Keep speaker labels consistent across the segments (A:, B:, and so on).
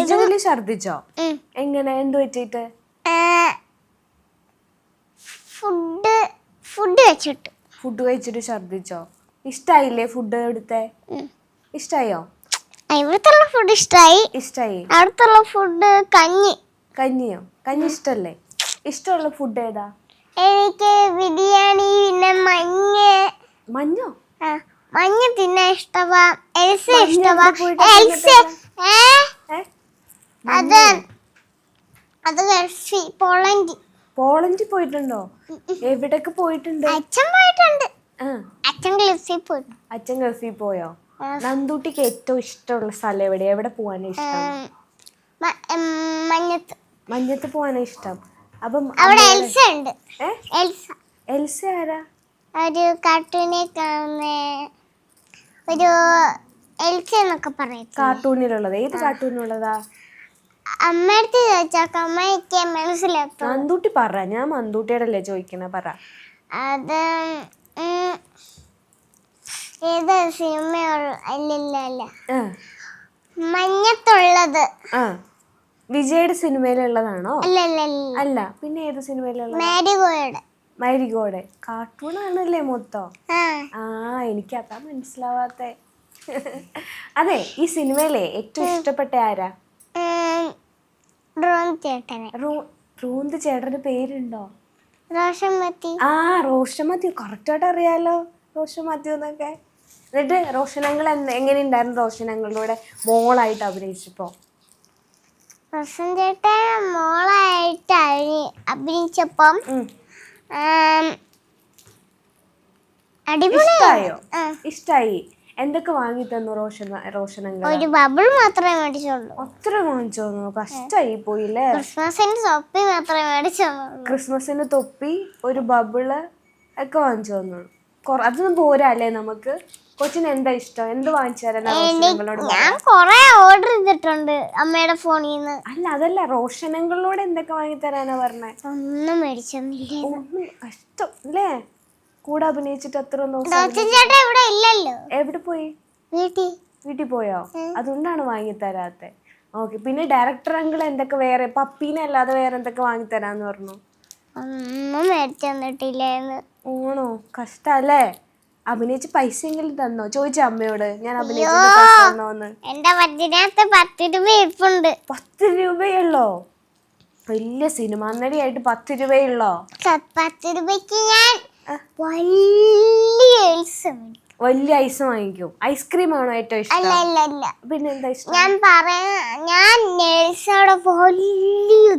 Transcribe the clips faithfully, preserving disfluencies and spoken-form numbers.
A: പാചകത്തില് ഛർദിച്ചോ? എങ്ങനെ? എന്ത് പറ്റിയിട്ട്?
B: ഫുഡ് ഫുഡ് വെച്ചിട്ട്
A: ഫുഡ് കഴിച്ചിട്ട് ഛർദിച്ചോ? ഇഷ്ടായില്ലേ ഫുഡ് എടുത്തേ? ഇഷ്ടായോ?
B: ഇവിടുത്തെ ഫുഡ് ഇഷ്ടായി.
A: ഇഷ്ടായി.
B: അവിടുത്തെ ഫുഡ് കഞ്ഞി.
A: കഞ്ഞിയോ? കഞ്ഞി ഇഷ്ടല്ലേ? ഇഷ്ടമുള്ള ഫുഡ് ഏതാ?
B: എനിക്ക് ബിരിയാണി, പിന്നെ മഞ്ഞ.
A: മഞ്ഞോ?
B: മഞ്ഞ തിന്നാൻ ഇഷ്ടവാ. എൽസ ഇഷ്ടവാ. എൽസ അത് അത് ഗൾഫി പോളണ്ട്.
A: പോളണ്ട് പോയിട്ടുണ്ടോ? എവിടൊക്കെ പോയിട്ടുണ്ട്?
B: അച്ഛൻ പോയിട്ടുണ്ട്. അച്ഛൻ ഗൾഫിൽ പോയി.
A: അച്ഛൻ ഗൾഫിൽ പോയോ? നന്ദൂട്ടിക്ക് ഏറ്റവും ഇഷ്ടമുള്ള സ്ഥലം എവിടെയാ? എവിടെ പോവാനാ ഇഷ്ടം?
B: മഞ്ഞത്ത്.
A: മഞ്ഞത്ത് പോവാനാ ഇഷ്ടം. അപ്പം
B: അവിടെ എൽസ ഉണ്ട്. എൽസ.
A: എൽസ ആരാ?
B: ഒരു കാർട്ടൂണിൽ കാണുന്ന ഒരു എൽസ എന്നൊക്കെ പറയും.
A: കാർട്ടൂണിലുള്ളത്? ഏത് കാർട്ടൂണിലുള്ളതാ?
B: അമ്മയടുത്ത് ചോദിച്ചാൽ അമ്മയ്ക്ക് മനസ്സിലാക്കും.
A: നന്ദൂട്ടി പറ, ഞാൻ മന്ദൂട്ടിയോടല്ലേ ചോദിക്കണ, പറ.
B: അത് ഏത് സിനിമ? അല്ലല്ല അല്ല മഞ്ഞത്തുള്ളത്.
A: ആ, വിജയുടെ സിനിമയിലുള്ളതാണോ?
B: അല്ലല്ല
A: അല്ല, പിന്നെ ഏത് സിനിമയിലുള്ള?
B: മാരിഗോയുടെ.
A: മാരിഗോയുടെ കാർട്ടൂൺ ആണല്ലേ മൊത്തം?
B: ആ,
A: എനിക്ക് അതാ മനസ്സിലാവാത്തെ. അതെ, ഈ സിനിമയിലെ ഏറ്റവും ഇഷ്ടപ്പെട്ട ആരാ?
B: ചേട്ടനെ.
A: റോന്ത് ചേട്ടന്റെ പേരുണ്ടോ?
B: റോഷൻ മാത്യു.
A: ആ, റോഷൻ മാത്യു. കറക്റ്റായിട്ട് അറിയാലോ റോഷൻ മാത്യു എന്നൊക്കെ. എന്നിട്ട് റോഷനങ്ങൾ എങ്ങനെയുണ്ടായിരുന്നു റോഷനങ്ങളുടെ മോളായിട്ട് അഭിനയിച്ചപ്പോ?
B: റോഷൻ ചേട്ടൻ മോളായിട്ട് അഭിനയിച്ചപ്പം
A: ഇഷ്ടായോ? ഇഷ്ടായി. എന്തൊക്കെ വാങ്ങി തന്നു റോഷൻ? റോഷനങ്ങൾ
B: ഒരു ബബിൾ മാത്രമേ മേടിച്ചുള്ളൂ.
A: അത്ര വാങ്ങിച്ചു തന്നു? കഷ്ടായി പോയില്ലേ.
B: ക്രിസ്മസിന് തൊപ്പി മാത്രമേ മേടിച്ചു. ക്രിസ്മസിന്
A: തൊപ്പി, ഒരു ബബിള് ഒക്കെ വാങ്ങിച്ചു തന്നു. അതൊന്നും പോരാ അല്ലേ നമുക്ക്? കൊച്ചിന് എന്താ ഇഷ്ടം? എന്ത് വാങ്ങിച്ചു തരാൻ?
B: ഞാൻ കൊറേ ഓർഡർ ചെയ്തിട്ടുണ്ട് അമ്മയുടെ ഫോണിൽ നിന്ന്.
A: അല്ല, അതല്ല, റോഷനങ്ങളോട് എന്തൊക്കെ വാങ്ങി തരാനാ പറഞ്ഞേ?
B: ഒന്നും മേടിച്ചൊന്നില്ല.
A: ഒന്നും കഷ്ടം അല്ലേ? കൂടെ അഭിനയിച്ചിട്ട് അത്ര
B: ഇവിടെ ഇല്ലല്ലോ.
A: എവിടെ പോയി?
B: വീട്ടിൽ.
A: വീട്ടിൽ പോയോ? അതുകൊണ്ടാണ് വാങ്ങി തരാത്തെ. ഓക്കെ. പിന്നെ ഡയറക്ടർ അങ്കിൾ എന്തൊക്കെ വേറെ, പപ്പീനെ അല്ലാതെ വേറെ എന്തൊക്കെ വാങ്ങി തരാന്ന് പറഞ്ഞു?
B: ഒന്നും മേടിച്ചെന്നിട്ടില്ലേന്ന്.
A: ഓണോ? കഷ്ടല്ലേ. അഭിനയിച്ച് പൈസ എങ്കിലും തന്നോ? ചോദിച്ച അമ്മയോട് ഞാൻ അഭിനയിച്ചോന്ന്.
B: എന്റെ പത്തിനകത്ത് പത്ത് രൂപ ഇരിപ്പുണ്ട്.
A: പത്ത് രൂപയുള്ളോ? വലിയ സിനിമ നടിയായിട്ട് പത്ത് രൂപയുള്ളോ?
B: പത്ത് രൂപയ്ക്ക് ഞാൻ വലിയ
A: വലിയ ഐസ് വാങ്ങിക്കും. ഐസ്ക്രീം ആണോ ഏറ്റവും ഇഷ്ടം? പിന്നെ എന്താ ഇഷ്ടം?
B: ഞാൻ പറയാ ഞാൻ നെൽസോടെ വലിയ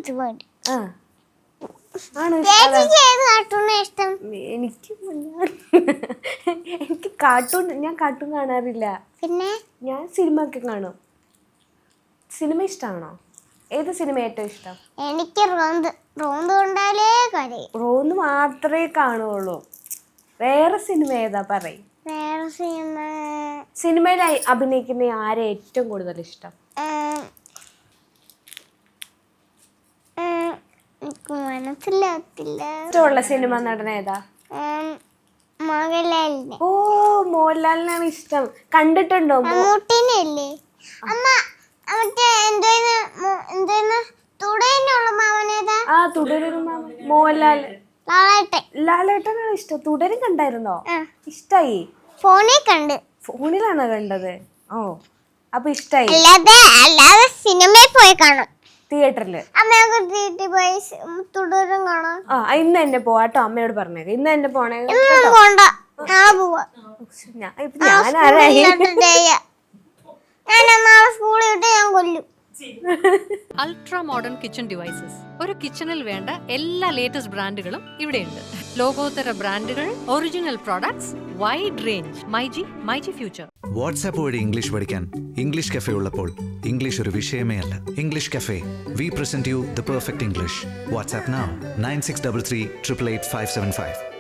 A: എനിക്ക് എനിക്ക് കാർട്ടൂൺ ഞാൻ കാർട്ടൂൺ കാണാറില്ല.
B: പിന്നെ
A: ഞാൻ സിനിമ ഒക്കെ കാണും. സിനിമ ഇഷ്ടമാണോ? ഏത് സിനിമ ഏറ്റവും ഇഷ്ടം?
B: എനിക്ക് റോന്ത്. റോന്ത് കൊണ്ടാലേ കരയും.
A: റോന്ത് മാത്രമേ കാണുള്ളൂ. വേറെ സിനിമ ഏതാ പറയും?
B: വേറെ സിനിമ
A: സിനിമയിൽ അഭിനയിക്കുന്ന ആരെ ഏറ്റവും കൂടുതൽ ഇഷ്ടം?
B: മനസ്സിലാത്തില്ല.
A: ഇഷ്ടമുള്ള സിനിമ നടൻ ഏതാ?
B: മോഹൻലാലിനെ.
A: ഓ, മോഹൻലാലിനാണ് ഇഷ്ടം. കണ്ടിട്ടുണ്ടോ?
B: മമ്മൂട്ടിനല്ലേ? അമ്മ മറ്റേ എന്തോന്ന് തുടരുന്നുള്ള മാമനേതാ?
A: ആ, തുടരും മാമൻ. മോഹൻലാൽ.
B: ലാലേട്ടൻ.
A: ലാലേട്ടനാണ് ഇഷ്ടം. തുടരും കണ്ടായിരുന്നോ? ഇഷ്ടായി?
B: ഫോണിൽ കണ്ട്.
A: ഫോണിലാണോ കണ്ടത്? ഓ, അപ്പൊ ഇഷ്ടായി.
B: അല്ലാതെ അല്ലാതെ സിനിമയിൽ പോയി കാണും.
A: തിയേറ്ററില്
B: തുടരും കാണാം.
A: ആ, ഇന്ന് തന്നെ പോവാട്ടോ. അമ്മയോട് പറഞ്ഞേക്ക ഇന്ന് തന്നെ പോണേ.
C: Ultra modern kitchen devices. ഒരു കിച്ചണിൽ വേണ്ട എല്ലാ ലേറ്റസ്റ്റ് ബ്രാൻഡുകളും ഇവിടെയുണ്ട്. ലോകോത്തര ബ്രാൻഡുകൾ, original products, wide range. MyG myG future.
D: WhatsApp വഴി ഇംഗ്ലീഷ് പഠിക്കാൻ ഇംഗ്ലീഷ് കഫേ ഉള്ളപ്പോൾ ഇംഗ്ലീഷ് ഒരു വിഷയമേ അല്ല. English cafe, we present you the perfect English. WhatsApp now nine six double three triple eight five seven five.